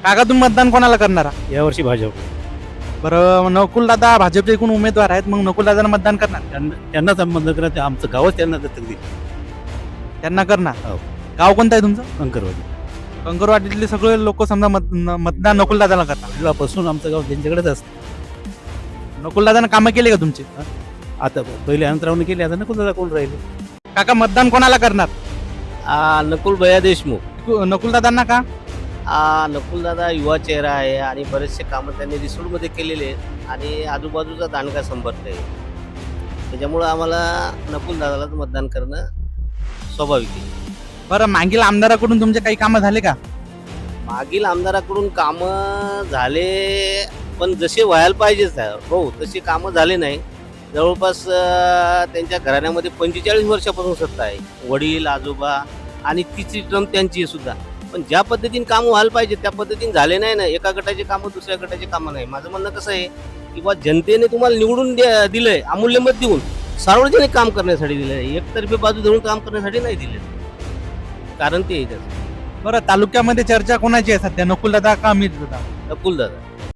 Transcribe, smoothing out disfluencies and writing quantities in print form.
काका तुम्ही मतदान कोणाला करणार? यावर्षी भाजप. बरं, नकुल दादा भाजपचे एकूण उमेदवार आहेत, मग नकुल दादांना मतदान करणार? त्यांना संबंध करा, आमचं गावच त्यांना दत्तक दिली. त्यांना करणार. हो. गाव कोणतं आहे तुमचं? कंकरवाडी. कंकरवाडीतले सगळे लोक समजा मतदान नकुल दादाला करतात. पहिल्यापासून आमचं गाव त्यांच्याकडेच असतं. नकुल दादानं कामं केले का तुमचे? आता पहिले अनंतरावने केले, आता नको दादा कोण राहिले. काका मतदान कोणाला करणार? नकुल भैया देशमुख. नकुल दादांना का? नकुल दादा युवा चेहरा आहे आणि बरेचसे कामं त्यांनी रिसोडमध्ये केलेले आहेत आणि आजूबाजूचा दांडगा संपर्क आहे. त्याच्यामुळं आम्हाला नकुल दादालाच मतदान करणं स्वाभाविक आहे. बरं, मागील आमदाराकडून तुमचे काही कामं झाले का? मागील आमदाराकडून कामं झाले, पण जसे व्हायला पाहिजेच हो तसे कामं झाले नाही. जवळपास त्यांच्या घराण्यामध्ये 45 वर्षापासून सत्ता आहे. वडील आजोबा आणि तिसरी टर्म त्यांची आहे सुद्धा. पण ज्या पद्धतीने कामं व्हायला पाहिजे त्या पद्धतीने झाले नाही ना. एका गटाचे कामं दुसऱ्या गटाचे कामं नाही. माझं म्हणणं कसं आहे की बा जनतेने तुम्हाला निवडून दिलंय, अमूल्य मत देऊन सार्वजनिक काम करण्यासाठी दिलंय, एकतर्फे बाजू धरून काम करण्यासाठी नाही दिले. कारण ते आहे त्याचं. बरं, तालुक्यामध्ये चर्चा कोणाची आहे सध्या, नकुल दादा का अमित दादा? नकुल दादा.